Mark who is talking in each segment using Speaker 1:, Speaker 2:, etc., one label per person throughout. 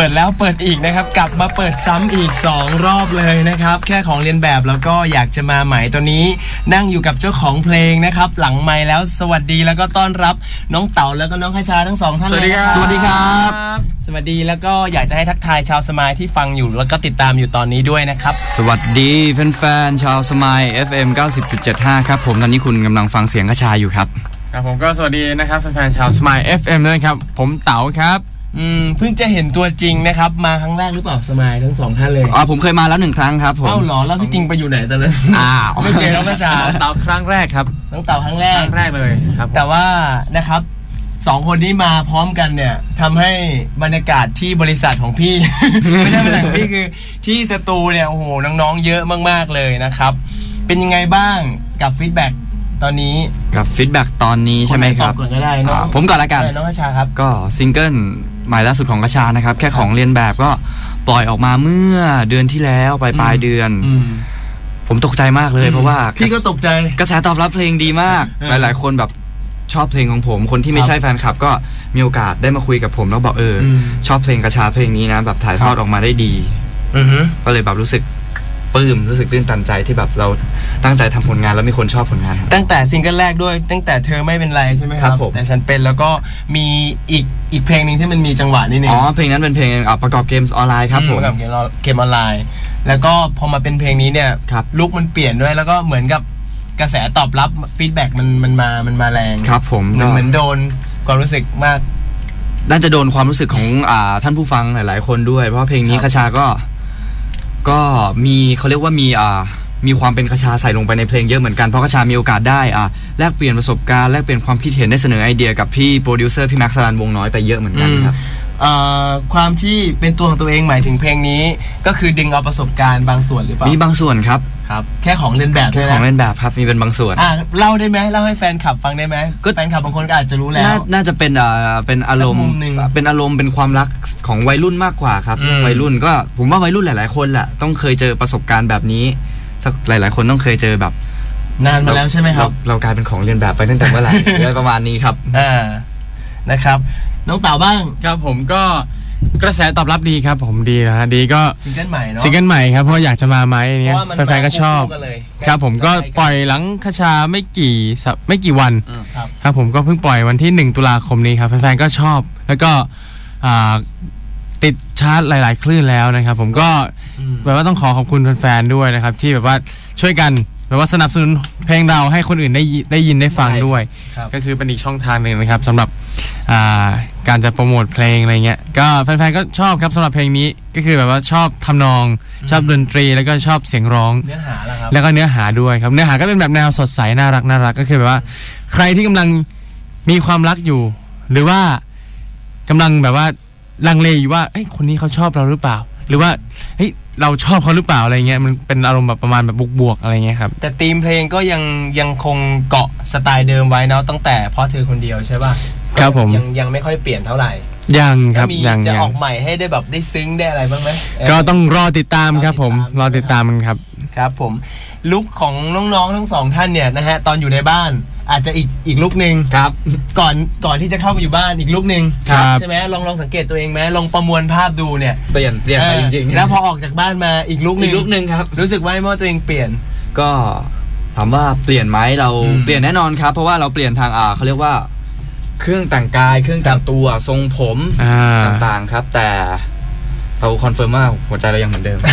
Speaker 1: ดแล้วเปิดอีกนะครับกลับมาเปิดซ้ำอีก2รอบเลยนะครับแค่ของเรียนแบบแล้วก็อยากจะมาใหม่ตัวนี้นั่งอยู่กับเจ้าของเพลงนะครับหลังไมค์แล้วสวัสดีแล้วก็ต้อนรับน้องเต๋าแล้วก็น้องคชาทั้ง2ท่านเลย
Speaker 2: สวัสดีครับ
Speaker 1: สวัสดีแล้วก็อยากจะให้ทักทายชาวสมายที่ฟังอยู่แล้วก็ติดตามอยู่ตอนนี้ด้วยนะครับ
Speaker 2: สวัสดีแฟนๆชาวสมาย FM 90.75 ครับผมตอนนี้คุณกำลังฟังเสียงคชาอยู่ครับ
Speaker 3: ครับผมก็สวัสดีนะครับแฟนๆชาวสมาย FM ด้วยครับผมเต๋าครับ
Speaker 1: เพิ่งจะเห็นตัวจริงนะครับมาครั้งแรกหรือเปล่าสมายทั้ง2ท่านเลย
Speaker 2: ผมเคยมาแล้ว1ครั้งครับผม
Speaker 1: เหรอแล้วพี่ติงไปอยู่ไหนตอนนั้นไม่เจอน้องคชา
Speaker 3: เต๋าครั้งแรกครับ
Speaker 1: น้องเต๋าครั้งแรก
Speaker 3: เลยครับ
Speaker 1: แต่ว่านะครับ2คนนี้มาพร้อมกันเนี่ยทำให้บรรยากาศที่บริษัทของพี่ ไม่ใช่บริษัทของพี่คือที่สตูเนี่ยโอ้โหน้องๆเยอะมากๆเลยนะครับเป็นยังไงบ้างกับฟีดแบ็กตอนนี้
Speaker 2: กับฟีดแบ็กตอนนี้ใช่ไหมครับ
Speaker 1: ก่อนก็ได้น้อง
Speaker 2: ผมก่อนละกัน
Speaker 1: น้องคชาครับ
Speaker 2: ก็ซิงเกิลใหม่ล่าสุดของคชานะครับแค่ของเรียนแบบก็ปล่อยออกมาเมื่อเดือนที่แล้วปลายเดือนผมตกใจมากเลยเพราะว่า
Speaker 1: พี่ก็ตกใจ
Speaker 2: กระแสตอบรับเพลงดีมากหลายๆคนแบบชอบเพลงของผมคนที่ไม่ใช่แฟนคลับก็มีโอกาสได้มาคุยกับผมแล้วบอกชอบเพลงคชาเพลงนี้นะแบบถ่ายทอดออกมาได้ดีก็เลยแบบรู้สึกปลื้มรู้สึกตื้นตันใจที่แบบเราตั้งใจทำผลงานแล้วมีคนชอบผลงาน
Speaker 1: ตั้งแต่ซิงเกิลแรกด้วยตั้งแต่เธอไม่เป็นไรใช่ไหมครับแต่ฉันเป็นแล้วก็มีอีกเพลงนึงที่มันมีจังหวะนิดนึง
Speaker 2: เพลงนั้นเป็นเพลงประกอบเกมออนไลน์ครับผม
Speaker 1: ประกอบเกมออนไลน์แล้วก็พอมาเป็นเพลงนี้เนี่ยลุคมันเปลี่ยนด้วยแล้วก็เหมือนกับกระแสตอบรับฟีดแบ็กมันมาแรง
Speaker 2: ครับผม
Speaker 1: เหมือนโดนความรู้สึกมาก
Speaker 2: น่าจะโดนความรู้สึกของท่านผู้ฟังหลายๆคนด้วยเพราะเพลงนี้คชาก็มีเขาเรียกว่ามีความเป็นคชาใส่ลงไปในเพลงเยอะเหมือนกันเพราะคชามีโอกาสได้แลกเปลี่ยนประสบการณ์แลกเปลี่ยนความคิดเห็นได้เสนอไอเดียกับพี่โปรดิวเซอร์พี่แม็กซ์สรันวงน้อยไปเยอะเหมือนกันครับ
Speaker 1: ความที่เป็นตัวของตัวเองหมายถึงเพลงนี้ก็คือดึงเอาประสบการณ์บางส่วนหรือเปล่า
Speaker 2: มีบางส่วนครับ
Speaker 1: แค่ของเล่นแบบ
Speaker 2: แค่ของเล่นแบบครับมีเป็นบางส่วน
Speaker 1: เล่าได้ไหมเล่าให้แฟนคลับฟังได้ไหมแฟนคลับบางคนก็อาจจะรู้แล้ว
Speaker 2: น่าจะเป็นอารมณ์เป็นความรักของวัยรุ่นมากกว่าครับวัยรุ่นก็ผมว่าวัยรุ่นหลายๆคนแหละต้องเคยเจอประสบการณ์แบบนี้สักหลายๆคนต้องเคยเจอแบบ
Speaker 1: นานมาแล้วใช่ไหมครับ
Speaker 2: เรากลายเป็นของเรียนแบบไปตั้งแต่เมื่อไหร่อะไรประมาณนี้ครับ
Speaker 1: นะครับน้องเต๋าบ้าง
Speaker 3: ครับผมก็กระแสตอบรับดีครับผมดีนะดีก็
Speaker 1: ซิงเกิลใหม่เนาะ
Speaker 3: ซิงเกิลใหม่ครับเพราะอยากจะมาไหมเนี้ยแฟนๆก็ชอบครับผมก็ปล่อยหลังคชาไม่กี่วันครับผมก็เพิ่งปล่อยวันที่1ตุลาคมนี้ครับแฟนๆก็ชอบแล้วก็ติดชาร์ตหลายๆคลื่นแล้วนะครับผมก็แบบว่าต้องขอบคุณแฟนๆด้วยนะครับที่แบบว่าช่วยกันแบบว่าสนับสนุนเพลงเราให้คนอื่นได้ยินได้ฟังด้วยก็คือเป็นอีกช่องทางหนึ่งนะครับสำหรับการจะโปรโมทเพลงอะไรเงี้ยก็แฟนๆก็ชอบครับสำหรับเพลงนี้ก็คือแบบว่าชอบทำนองชอบดนตรีแล้วก็ชอบเสียงร้อง
Speaker 1: เนื้อหา
Speaker 3: แล้วก็เนื้อหาด้วยครับเนื้อหาก็เป็นแบบแนวสดใสน่ารักก็คือแบบว่าใครที่กำลังมีความรักอยู่หรือว่ากำลังแบบว่าลังเลอยู่ว่าคนนี้เขาชอบเราหรือเปล่าหรือว่าเราชอบเขาหรือเปล่าอะไรเงี้ยมันเป็นอารมณ์แบบประมาณแบบบวกๆอะไรเงี้ยครับ
Speaker 1: แต่ธีมเพลงก็ยังคงเกาะสไตล์เดิมไว้เนาะตั้งแต่เพราะเธอคนเดียวใช่ป่ะ
Speaker 3: ครับผม
Speaker 1: ยังไม่ค่อยเปลี่ยนเท่าไหร่
Speaker 3: ยังครับ
Speaker 1: ยังจะออกใหม่ให้ได้แบบได้ซึ้งได้อะไรบ้างไหม
Speaker 3: ก็ต้องรอติดตามครับผมรอติดตามมันครับ
Speaker 1: ครับผมลุคของน้องๆทั้ง2ท่านเนี่ยนะฮะตอนอยู่ในบ้านอาจจะอีกลุคนึง
Speaker 2: ครับ
Speaker 1: ก่อนที่จะเข้าไปอยู่บ้านอีกลุคนึงใช่ไหมลองสังเกตตัวเองไหมลองประมวลภาพดูเนี่ย
Speaker 2: เปลี่ยนไปจริง
Speaker 1: ๆแล้วพอออกจากบ้านมาอีกลุคนึง
Speaker 2: ครับ
Speaker 1: รู้สึกว่าตัวเองเปลี่ยน
Speaker 2: ก็ถามว่าเปลี่ยนไหมเราเปลี่ยนแน่นอนครับเพราะว่าเราเปลี่ยนทางเขาเรียกว่าเครื่องแต่งกายเครื่องแต่งตัวทรงผมต่างๆครับแต่เราคอนเฟิร์มว่าหัวใจเรายังเหมือนเดิม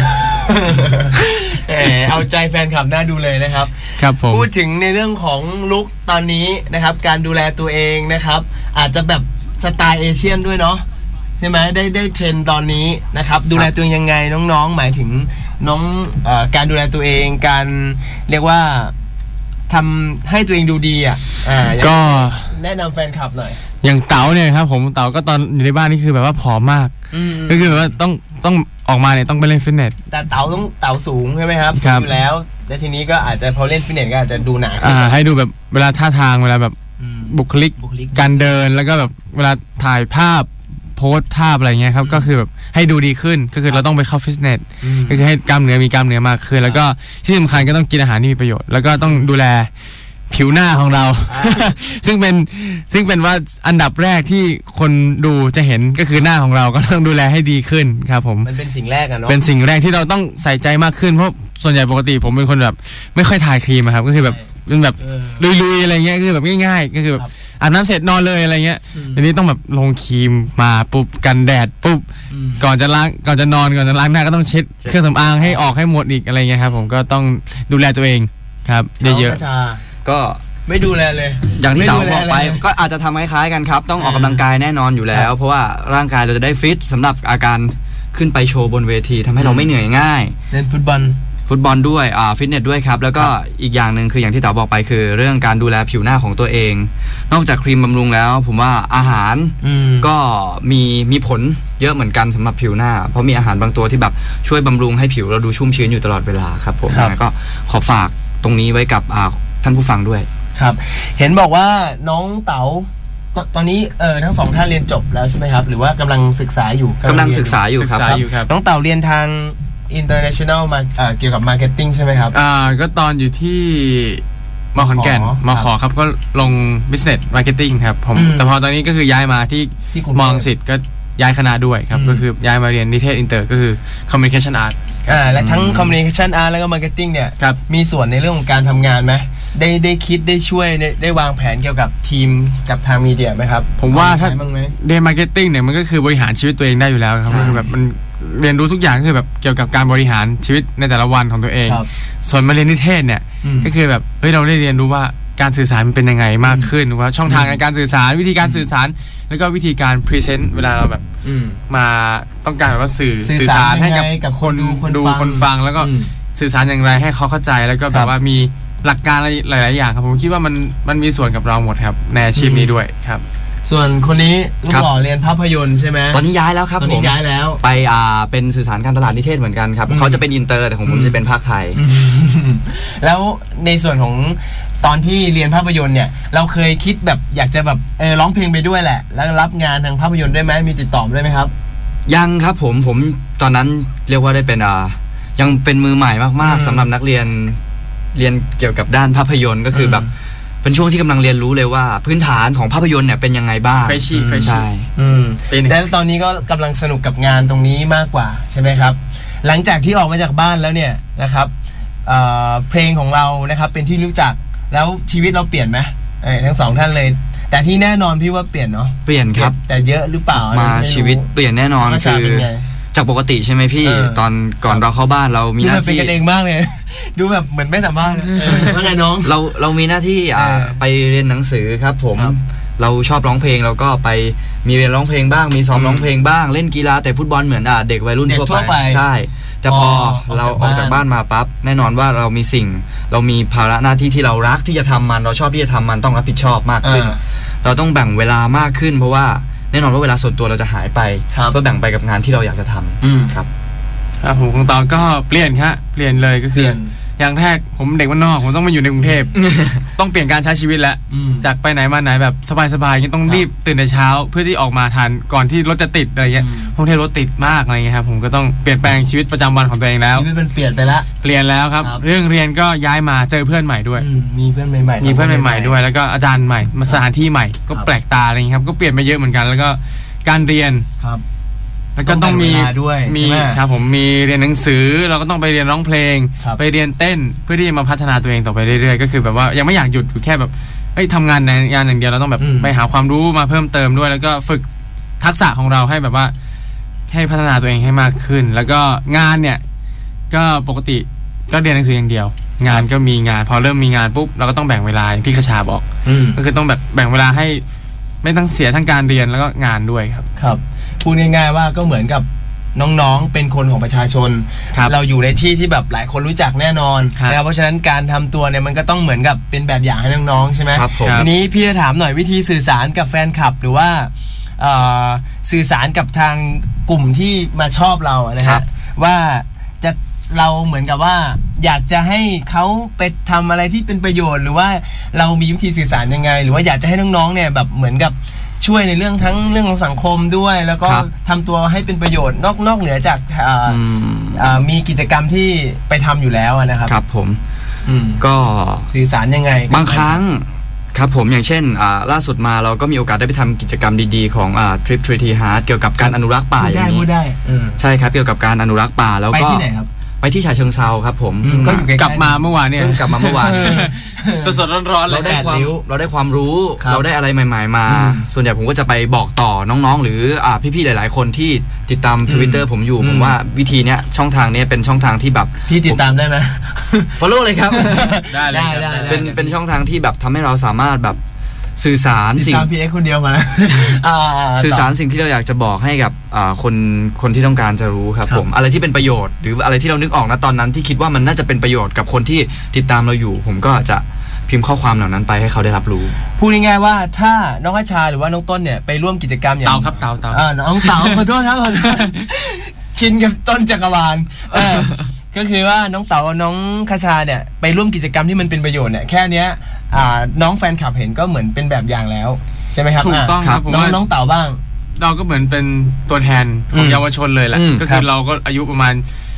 Speaker 1: เอาใจแฟนคลับน่าดูเลยนะครับ
Speaker 3: ครับผม
Speaker 1: พูดถึงในเรื่องของลุคตอนนี้นะครับการดูแลตัวเองนะครับอาจจะแบบสไตล์เอเชียนด้วยเนาะใช่ไหมได้เทรนตอนนี้นะครับดูแลตัวเองยังไงน้องๆหมายถึงน้องการดูแลตัวเองการเรียกว่าทำให้ตัวเองดูดี
Speaker 3: ก็
Speaker 1: แนะนำแฟนคลับหน่อย
Speaker 3: อย่างเต๋าเนี่ยครับผมเต๋าก็ตอนอยู่ในบ้านนี่คือแบบว่าผอมมากก็คือแบบว่าต้องออกมาเนี่ยต้องไปเล่นฟิตเนส
Speaker 1: แต่เต๋าสูงใช่ไหมครับอยู่แล้วและทีนี้ก็อาจจะพอเล่นฟิตเนสก็อาจจะดูหนา
Speaker 3: ให้ดูแบบเวลาท่าทางเวลาแบบบุคลิกการเดินแล้วก็แบบเวลาถ่ายภาพโพสภาพอะไรเงี้ยครับก็คือแบบให้ดูดีขึ้นก็คือเราต้องไปเข้าฟิตเนสก็คือให้กล้ามเนื้อมีกล้ามเนื้อมากขึ้นแล้วก็ที่สำคัญก็ต้องกินอาหารที่มีประโยชน์แล้วก็ต้องดูแลผิวหน้าของเรา ซึ่งเป็นว่าอันดับแรกที่คนดูจะเห็นก็คือหน้าของเราก็ต้องดูแลให้ดีขึ้นครับผม
Speaker 1: มันเป็นสิ่งแรกอะเนาะ
Speaker 3: เป็นสิ่งแรกที่เราต้องใส่ใจมากขึ้นเพราะส่วนใหญ่ปกติผมเป็นคนแบบไม่ค่อยทาครีมครับก็คือแบบเป็นแบบลุยๆอะไรเงี้ยคือแบบง่ายๆก็คือแบบอาบน้ำเสร็จนอนเลยอะไรเงี้ยอันนี้ต้องแบบลงครีมมาปุ๊บกันแดดปุ๊บก่อนจะนอนก่อนจะล้างหน้าก็ต้องเช็ดเครื่องสำอางให้ออกให้หมดอีกอะไรเงี้ยครับผมก็ต้องดูแลตัวเองครับเยอะ
Speaker 2: ๆก็
Speaker 1: ไม่ดูแลเลย
Speaker 2: อย่างที่เราบอกไปก็อาจจะทำคล้ายๆกันครับต้องออกกำลังกายแน่นอนอยู่แล้วเพราะว่าร่างกายเราจะได้ฟิตสำหรับอาการขึ้นไปโชว์บนเวทีทำให้เราไม่เหนื่อยง่าย
Speaker 1: เล่นฟุตบอล
Speaker 2: ด้วยฟิตเนสด้วยครับแล้วก็อีกอย่างหนึ่งคืออย่างที่เต๋อบอกไปคือเรื่องการดูแลผิวหน้าของตัวเองนอกจากครีมบำรุงแล้วผมว่าอาหารก็มีผลเยอะเหมือนกันสำหรับผิวหน้าเพราะมีอาหารบางตัวที่แบบช่วยบำรุงให้ผิวเราดูชุ่มชื้นอยู่ตลอดเวลาครับผมก็ขอฝากตรงนี้ไว้กับท่านผู้ฟังด้วย
Speaker 1: ครับเห็นบอกว่าน้องเต๋าตอนนี้ทั้งสองท่านเรียนจบแล้วใช่ไหมครับหรือว่ากำลังศึกษาอยู่
Speaker 2: ครับ
Speaker 1: น้องเต๋าเรียนทาง international มาเกี่ยวกับ marketing ใช่ไหมครับ
Speaker 3: ก็ตอนอยู่ที่ม.ขอนแก่นม.ข.ครับก็ลง business marketing ครับผมแต่พอตอนนี้ก็คือย้ายมาที่ม.รังสิตก็ย้ายคณะด้วยครับก็คือย้ายมาเรียนนิเทศอินเตอร์ก็คือ communication art
Speaker 1: และทั้ง communication art แล้วก็ marketing เนี่ยมีส่วนในเรื่องของการทำงานไหมได้คิดได้ช่วยได้วางแผนเกี่ยวกับทีมกับทางมีเดียไหมครับ
Speaker 3: ผมว่าถ้าเรียน marketing เนี่ยมันก็คือบริหารชีวิตตัวเองได้อยู่แล้วครับคือแบบมันเรียนรู้ทุกอย่างคือแบบเกี่ยวกับการบริหารชีวิตในแต่ละวันของตัวเองส่วนมาเรียนนิเทศเนี่ยก็คือแบบเราได้เรียนรู้ว่าการสื่อสารมันเป็นยังไงมากขึ้นว่าช่องทางในการสื่อสารวิธีการสื่อสารแล้วก็วิธีการพรีเซนต์เวลาเราแบบมาต้องการแบบว่าสื่อสารให้กับคนดูคนฟังแล้วก็สื่อสารอย่างไรให้เขาเข้าใจแล้วก็แบบว่ามีหลักการหลายๆอย่างครับผมคิดว่ามันมีส่วนกับเราหมดครับในอาชีพนี้ด้วยครับ
Speaker 1: ส่วนคนนี้ลูกหล่อเรียนภาพยนตร์ใช่ไหม
Speaker 2: ตอนนี้ย้ายแล้วครับ
Speaker 1: ตอนนี้ย้ายแล้ว
Speaker 2: ไปเป็นสื่อสารการตลาดนิเทศเหมือนกันครับเขาจะเป็นอินเตอร์แต่ของผมจะเป็นภาคไทย
Speaker 1: แล้วในส่วนของตอนที่เรียนภาพยนตร์เนี่ยเราเคยคิดแบบอยากจะแบบร้องเพลงไปด้วยแหละแล้วรับงานทางภาพยนตร์ได้ไหมมีติดต่อได้ไหมครับ
Speaker 2: ยังครับผมตอนนั้นเรียกว่าได้เป็นยังเป็นมือใหม่มากๆสำหรับนักเรียนเกี่ยวกับด้านภาพยนตร์ก็คือแบบเป็นช่วงที่กำลังเรียนรู้เลยว่าพื้นฐานของภาพยนตร์เนี่ยเป็นยังไงบ้าง
Speaker 3: เฟรชชี่
Speaker 1: แต่ตอนนี้ก็กำลังสนุกกับงานตรงนี้มากกว่าใช่ไหมครับหลังจากที่ออกมาจากบ้านแล้วเนี่ยนะครับเพลงของเรานะครับเป็นที่รู้จักแล้วชีวิตเราเปลี่ยนไหมทั้งสองท่านเลยแต่ที่แน่นอนพี่ว่าเปลี่ยนเนาะ
Speaker 2: เปลี่ยนครับ
Speaker 1: แต่เยอะหรือเปล่า
Speaker 2: มาชีวิตเปลี่ยนแน่นอนคือจากปกติใช่ไหมพี่ตอนก่อนเราเข้าบ้านเรามีหน้าที่
Speaker 1: เป็นกันเองมากเลยดูแบบเหมือนไม่สามารถว่าไงน้อง
Speaker 2: เรามีหน้าที่ไปเรียนหนังสือครับผมเราชอบร้องเพลงเราก็ไปมีเรียนร้องเพลงบ้างมีซ้อมร้องเพลงบ้างเล่นกีฬาแต่ฟุตบอลเหมือนเด็กวัยรุ่นทั่วไปใช่แต่พอเราออกจากบ้านมาปั๊บแน่นอนว่าเรามีภาระหน้าที่ที่เรารักที่จะทำมันเราชอบที่จะทำมันต้องรับผิดชอบมากขึ้นเราต้องแบ่งเวลามากขึ้นเพราะว่าแน่นอนว่าเวลาส่วนตัวเราจะหายไปเพื่อแบ่งไปกับงานที่เราอยากจะทำครับ
Speaker 3: ผมของตอนก็เปลี่ยนเลยก็คืออย่างแรกผมเด็กบ้านนอกผมต้องมาอยู่ในกรุงเทพต้องเปลี่ยนการใช้ชีวิตแล้วจากไปไหนมาไหนแบบสบายๆต้องรีบตื่นแต่เช้าเพื่อที่ออกมาทันก่อนที่รถจะติดอะไรเงี้ยกรุงเทพรถติดมากอะไรเงี้ยครับผมก็ต้องเปลี่ยนแปลงชีวิตประจำวันของตัวเองแล้ว
Speaker 1: ชีวิตมันเปลี่ยนไปแล้ว
Speaker 3: เปลี่ยนแล้วครับเรื่องเรียนก็ย้ายมาเจอเพื่อนใหม่ด้วย
Speaker 1: มีเพื่อนใหม่
Speaker 3: ด้วยแล้วก็อาจารย์ใหม่มาสถานที่ใหม่ก็แปลกตาอะไรเงี้ยครับก็เปลี่ยนไปเยอะเหมือนกันแล้วก็การเรียนแล้วก็ต้องมีครับผมมีเรียนหนังสือเราก็ต้องไปเรียนร้องเพลงไปเรียนเต้นเพื่อที่จะมาพัฒนาตัวเองต่อไปเรื่อยๆก็คือแบบว่ายังไม่อยากหยุดอยู่แค่แบบทำงานในงานอย่างเดียวเราต้องแบบไปหาความรู้มาเพิ่มเติมด้วยแล้วก็ฝึกทักษะของเราให้แบบว่าให้พัฒนาตัวเองให้มากขึ้นแล้วก็งานเนี่ยก็ปกติก็เรียนหนังสืออย่างเดียวงานก็มีงานพอเริ่มมีงานปุ๊บเราก็ต้องแบ่งเวลาที่คชาบอกก็คือต้องแบบแบ่งเวลาให้ไม่ต้องเสียทั้งการเรียนแล้วก็งานด้วย
Speaker 1: ครับพูดง่ายๆว่าก็เหมือนกับน้องๆเป็นคนของประชาชนเราอยู่ในที่ที่แบบหลายคนรู้จักแน่นอนนะครับเพราะฉะนั้นการทำตัวเนี่ยมันก็ต้องเหมือนกับเป็นแบบอย่างให้น้องๆใช่ไหมทีนี้พี่จะถามหน่อยวิธีสื่อสารกับแฟนคลับหรือว่าสื่อสารกับทางกลุ่มที่มาชอบเรานะฮะว่าจะเราเหมือนกับว่าอยากจะให้เขาไปทำอะไรที่เป็นประโยชน์หรือว่าเรามีวิธีสื่อสารยังไงหรือว่าอยากจะให้น้องๆเนี่ยแบบเหมือนกับช่วยในเรื่องทั้งเรื่องของสังคมด้วยแล้วก็ทำตัวให้เป็นประโยชน์นอกเหนือจากมีกิจกรรมที่ไปทำอยู่แล้วนะครับ
Speaker 2: ครับผมก็
Speaker 1: สื่อสารยังไง
Speaker 2: บางครั้งครับผมอย่างเช่นล่าสุดมาเราก็มีโอกาสได้ไปทำกิจกรรมดีๆของTrip Treaty Heart เกี่ยวกับการอนุรักษ์ป่าอย่างนี้ใช่ครับเกี่ยวกับการอนุรักษ์ป่าแล้วก็
Speaker 1: ไปที่ไหนครับ
Speaker 2: ไปที่ฉะเชิงเทราครับผม
Speaker 3: ก็กลับมาเมื่อวานเนี่ย
Speaker 2: กลับมาเมื่อวาน
Speaker 3: สดๆร้อนๆเลย
Speaker 2: เราได้ความรู้เราได้อะไรใหม่ๆมาส่วนใหญ่ผมก็จะไปบอกต่อน้องๆหรือพี่ๆหลายๆคนที่ติดตาม Twitter ผมอยู่ผมว่าวิธีเนี้ยช่องทางนี้เป็นช่องทางที่แบบ
Speaker 1: พี่ติดตามได้ไหม
Speaker 2: follow เลยครับ
Speaker 3: ได้
Speaker 2: เป็นช่องทางที่แบบทำให้เราสามารถแบบสื่อสาร
Speaker 1: สิ่งพี่เอ็กคนเดียวมา
Speaker 2: สื่อสารสิ่งที่เราอยากจะบอกให้กับคนที่ต้องการจะรู้ครับผมอะไรที่เป็นประโยชน์หรืออะไรที่เรานึกออกนะตอนนั้นที่คิดว่ามันน่าจะเป็นประโยชน์กับคนที่ติดตามเราอยู่ผมก็จะพิมพ์ข้อความเหล่านั้นไปให้เขาได้รับรู้
Speaker 1: พูดง่ายๆว่าถ้าน้องอาชาหรือว่าน้องต้นเนี่ยไปร่วมกิจกรรมอย่าง
Speaker 3: เต่าครับเต่า
Speaker 1: น้องเต่าขอโทษครับชินกับต้นจักรวาลก็คือว่าน้องเต๋ากับน้องคชาเนี่ยไปร่วมกิจกรรมที่มันเป็นประโยชน์เนี่ยแค่เนี้ยน้องแฟนคลับเห็นก็เหมือนเป็นแบบอย่างแล้วใช่ไหมครับ
Speaker 3: ถูกต้องครับ
Speaker 1: น้องเต๋าบ้าง
Speaker 3: เราก็เหมือนเป็นตัวแทนของเยาวชนเลยแหละก็คือเราก็อายุประมาณ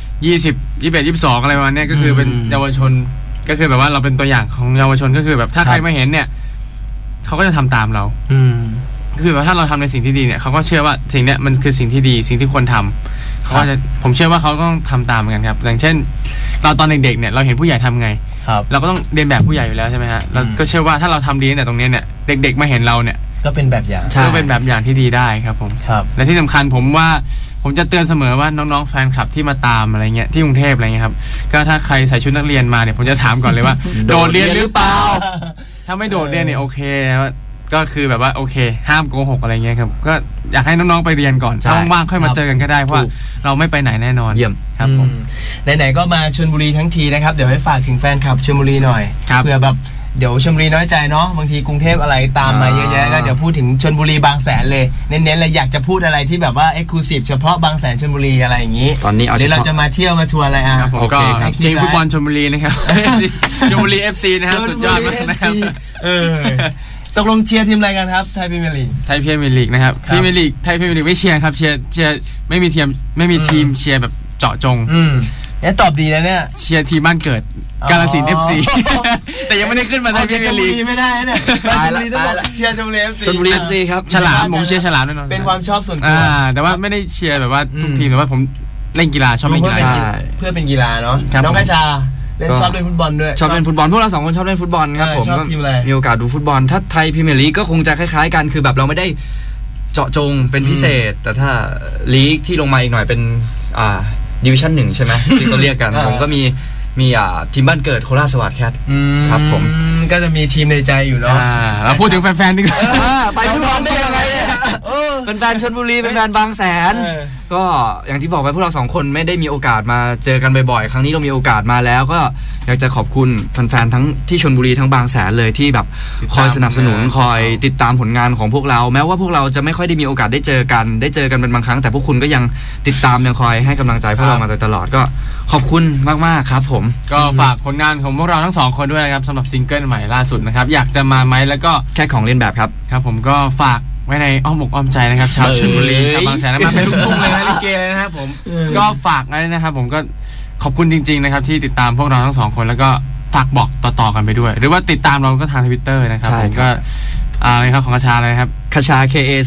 Speaker 3: 20 21 22อะไรประมาณนี้ก็คือเป็นเยาวชนก็คือแบบว่าเราเป็นตัวอย่างของเยาวชนก็คือแบบถ้าใครมาเห็นเนี่ยเขาก็จะทำตามเราคือแบบถ้าเราทำในสิ่งที่ดีเนี่ยเขาก็เชื่อว่าสิ่งเนี้ยมันคือสิ่งที่ดีสิ่งที่ควรทำเขาจะผมเชื่อว่าเขาต้องทำตามเหมือนกันครับอย่างเช่นเราตอนเด็กๆเนี่ยเราเห็นผู้ใหญ่ทำไงเราก็ต้องเรียนแบบผู้ใหญ่อยู่แล้วใช่ไหมฮะเราก็เชื่อว่าถ้าเราทำดีแต่ตรงนี้เนี่ยเด็กๆมาเห็นเราเนี่ย
Speaker 1: ก็เป็นแบบอย่าง
Speaker 3: ก็เป็นแบบอย่างที่ดีได้ครับผมและที่สำคัญผมว่าผมจะเตือนเสมอว่าน้องๆแฟนคลับที่มาตามอะไรเงี้ยที่กรุงเทพอะไรเงี้ยครับก็ถ้าใครใส่ชุดนักเรียนมาเนี่ยผมจะถามก่อนเลยว่าโดดเรียนหรือเปล่าถ้าไม่โดดเรียนเนี่ยโอเคก็คือแบบว่าโอเคห้ามโกหกอะไรเงี้ยครับก็อยากให้น้องๆไปเรียนก่อนว่างๆค่อยมาเจอกันก็ได้เพราะเราไม่ไปไหนแน่นอน
Speaker 2: เยี่ยม
Speaker 3: ครับผม
Speaker 1: ไหนๆก็มาชลบุรีทั้งทีนะครับเดี๋ยวให้ฝากถึงแฟนคลับชลบุรีหน่อยเผื่อแบบเดี๋ยวชลบุรีน้อยใจเนาะบางทีกรุงเทพอะไรตามมาเยอะแยะก็เดี๋ยวพูดถึงชลบุรีบางแสนเลยเน้นๆเลยอยากจะพูดอะไรที่แบบว่าเอ็กซ์คลูซีฟเฉพาะบางแสนชลบุรีอะไรอย่างนี้
Speaker 2: ตอนนี้
Speaker 1: เดี๋ยวเราจะมาเที่ยวมาทัวร์อะไร
Speaker 3: โอเคครับทีมฟุตบอลชลบุรีนะครับชลบุรี FC นะครับสุดยอดมากนะครับ
Speaker 1: ตกลงเชียร์ทีมอะไรกันครับไทยพรีเมียร์ลีก
Speaker 3: ไทยพรีเมียร์ลีกนะครับพรีเมียร์ลีกไทยพรีเมียร์ลีกไม่เชียร์ครับเชียร์ไม่มีทีมเชียร์แบบเจาะจง
Speaker 1: เนี่ยตอบดีนะเนี่ย
Speaker 3: เชียร์ทีมบ้านเกิดกาฬสินธุ์ FC แต่ยังไม่ได้ขึ้นมาไทยพรีเมียร์ลีก
Speaker 1: ไม่ได้เนี่ยชลบุรีต้องเชียร์ชลบุรี FC
Speaker 2: ชลบุรี FC ครับ
Speaker 3: ฉลามผมเชียร์ฉลามแน่นอน
Speaker 1: เป็นความชอบส่วนตัว
Speaker 3: แต่ว่าไม่ได้เชียร์แบบว่าทุกทีมแต่ว่าผมเล่นกีฬาชอบเล่นกีฬา
Speaker 1: เพื่อเป็นกีฬาเนาะน้องกระชาชอบเล่นฟุตบอลด้วย
Speaker 2: ชอบเล่นฟุตบอลพวกเรา2คนชอบเล่นฟุตบอลครับผมก็มีโอกาสดูฟุตบอลถ้าไทยพรีเมียร์ลีกก็คงจะคล้ายๆกันคือแบบเราไม่ได้เจาะจงเป็นพิเศษแต่ถ้าลีกที่ลงมาอีกหน่อยเป็นดิวิชั่น1ใช่ไหมที่เขาเรียกกันผมก็มีทีมบ้านเกิดโคราชสวัสดิ์แคทครับผม
Speaker 1: ก็จะมีทีมในใจอยู่เนาะ
Speaker 3: เราพูดถึงแฟนๆดีกว่า
Speaker 1: ไปฟุตบอลได้ยังไง
Speaker 2: เป็นแฟนชลบุรีเป็นแฟนบางแสนก็อย่างที่บอกไปพวกเรา2คนไม่ได้มีโอกาสมาเจอกันบ่อยๆครั้งนี้เรามีโอกาสมาแล้วก็อยากจะขอบคุณแฟนๆทั้งที่ชลบุรีทั้งบางแสนเลยที่แบบคอยสนับสนุนคอยติดตามผลงานของพวกเราแม้ว่าพวกเราจะไม่ค่อยได้มีโอกาสได้เจอกันเป็นบางครั้งแต่พวกคุณก็ยังติดตามยังคอยให้กำลังใจพวกเรามาโดยตลอดก็ขอบคุณมากๆครับผม
Speaker 3: ก็ฝากผลงานของพวกเราทั้ง2คนด้วยนะครับสำหรับซิงเกิลใหม่ล่าสุดนะครับอยากจะมาไหมแล้วก็
Speaker 2: แค่ของเล่นแบบ
Speaker 3: ครับผมก็ฝากไว้ในอ้อมอกอ้อมใจนะครับชาวชลบุรีชาวบางแสนมาเป็นลูกทุ่งเลยนะลิเกเลยนะครับผมก็ฝากไว้นะครับผมก็ขอบคุณจริงๆนะครับที่ติดตามพวกเราทั้ง2คนแล้วก็ฝากบอกต่อๆกันไปด้วยหรือว่าติดตามเราก็ทาง Twitter นะครับผมก็อะไรครับของคชาเลยครับ
Speaker 2: คชา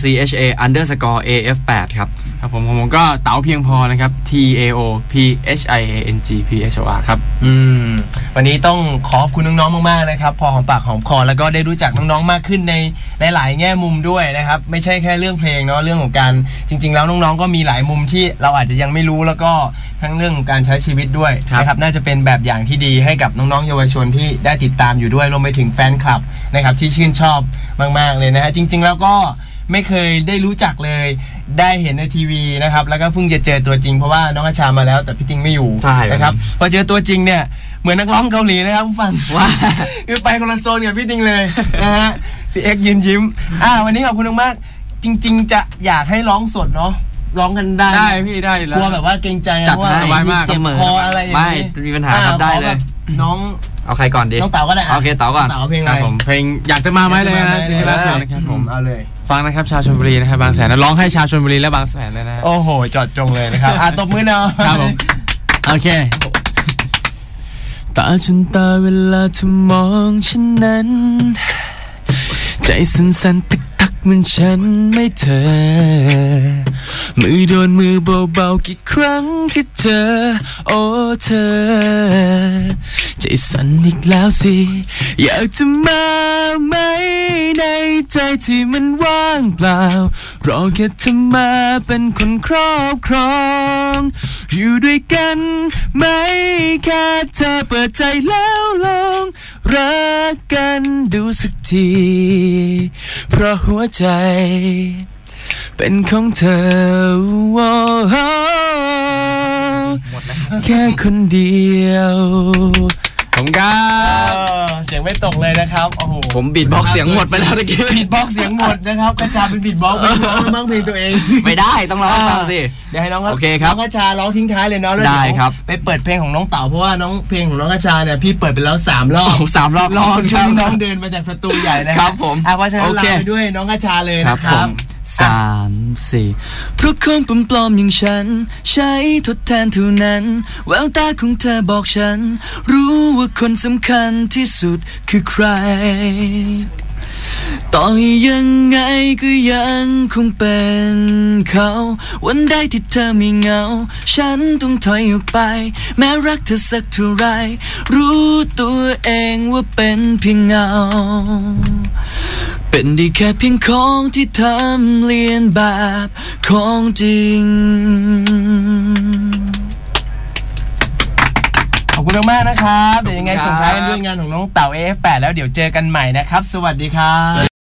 Speaker 2: KACHA_AF8 ครับ
Speaker 3: ผมก็เต๋าเพียงพอนะครับ TAOPHIANGPHOR ครับ
Speaker 1: วันนี้ต้องขอบคุณน้องๆมากๆนะครับพอหอมปากหอมคอแล้วก็ได้รู้จักน้องๆมากขึ้นในหลายแง่มุมด้วยนะครับไม่ใช่แค่เรื่องเพลงเนาะเรื่องของการจริงๆแล้วน้องๆก็มีหลายมุมที่เราอาจจะยังไม่รู้แล้วก็ทั้งเรื่องของการใช้ชีวิตด้วยนะครับน่าจะเป็นแบบอย่างที่ดีให้กับน้องๆเยาวชนที่ได้ติดตามอยู่ด้วยรวมไปถึงแฟนคลับนะครับที่ชื่นชอบมากๆเลยนะฮะจริงๆแล้วก็ไม่เคยได้รู้จักเลยได้เห็นในทีวีนะครับแล้วก็เพิ่งจะเจอตัวจริงเพราะว่าน้องอาชามาแล้วแต่พี่ติงไม่อยู่นะครับพอเจอตัวจริงเนี่ยเหมือนนักร้องเกาหลีนะครับผู้ฟังว่าคือไปคนละโซนกับพี่ติงเลยนะฮะพี่เอ็กยืนยิ้มวันนี้ขอบคุณมากจริงๆจะอยากให้ร้องสดเนาะร้องกันได้
Speaker 3: พี่ได้แล้ว
Speaker 1: กลัวแบบว่าเกรงใจ
Speaker 2: จัดให้สบายมาก
Speaker 1: เจ็บคออะไรอย่างนี้
Speaker 2: ไม่มีปัญหาครับได้เลย
Speaker 1: น้อง
Speaker 2: เอาใครก่อนดี
Speaker 1: น้องเต๋าก็ได้
Speaker 2: โอเคเต๋าก่อน
Speaker 1: เต๋าเพลงอะไร
Speaker 3: ผมเพลงอยากจะมาไหมเลยนะซิงเกิลล่าสุดนะครับผม
Speaker 1: เอาเลย
Speaker 3: ฟังนะครับชาวชลบุรีนะครับบางแสนนะร้องให้ชาวชลบุรีและบางแสนเลยนะ
Speaker 1: โอ้โหจอดจงเลยนะครับตบมือเนาะ
Speaker 3: ครับผมโอเคตาจนตาเวลาเธอมองฉันนั้นใจสั่นๆตักเหมือนฉันไม่เธอมือโดนมือเบาๆกี่ครั้งที่เจอโอ้เธอใจสั่นอีกแล้วสิอยากจะมาไหมในใจที่มันว่างเปล่ารอแค่เธอมาเป็นคนครอบครองอยู่ด้วยกันไหมแค่เธอเปิดใจแล้วลองรักกันดูสักทีเพราะหัวใจเป็นของเธอแค่คนเดียวผมก็
Speaker 1: เสียงไม่ตกเลยนะครับโอ้โห
Speaker 2: ผมบีทบ็อกซ์เสียงหมดไปแล้วตะกี้
Speaker 1: บีทบ็อกซ์เสียงหมดนะครับกระชาเป็นบีทบ็อกซ์ไม่ร้องมั่งเพลงตัวเอง
Speaker 2: ไม่ได้ต้องร้องบ้างสิ
Speaker 1: เดี๋ยวให้น้อง
Speaker 2: โอเคครับ
Speaker 1: น้องกระชาร้องทิ้งท้ายเลยเนาะแล้ว
Speaker 2: ได้ครับ
Speaker 1: ไปเปิดเพลงของน้องเต๋าเพราะว่าน้องเพลงของน้องกระชาเนี่ยพี่เปิดไปแล้ว3 รอบ
Speaker 2: 3 รอบ
Speaker 1: ช่วงน้องเดินมาจากสตูใหญ่นะครับ
Speaker 2: ผม
Speaker 1: เพราะฉะนั้นลาไปด้วยน้องกระชาเลยนะครับ
Speaker 2: 3 4เพราะคนปลอมๆอย่างฉันใช้ทดแทนเท่านั้นแววตาของเธอบอกฉันรู้ว่าคนสำคัญที่สุดคือใครต่อให้ยังไงก็ยังคงเป็นเขาวันใดที่เธอไม่เหงาฉันต้องถอยออกไปแม้รักเธอสักเท่าไรรู้ตัวเองว่าเป็นเพียงเงาเป็นได้แค่เพียงของที่ทำเลียนแบบของจริง
Speaker 1: ขอบคุณมากนะครับเดี๋ยวยังไงส่งท้ายกันด้วยงานของน้องเต๋า AF8 แล้วเดี๋ยวเจอกันใหม่นะครับสวัสดีครับ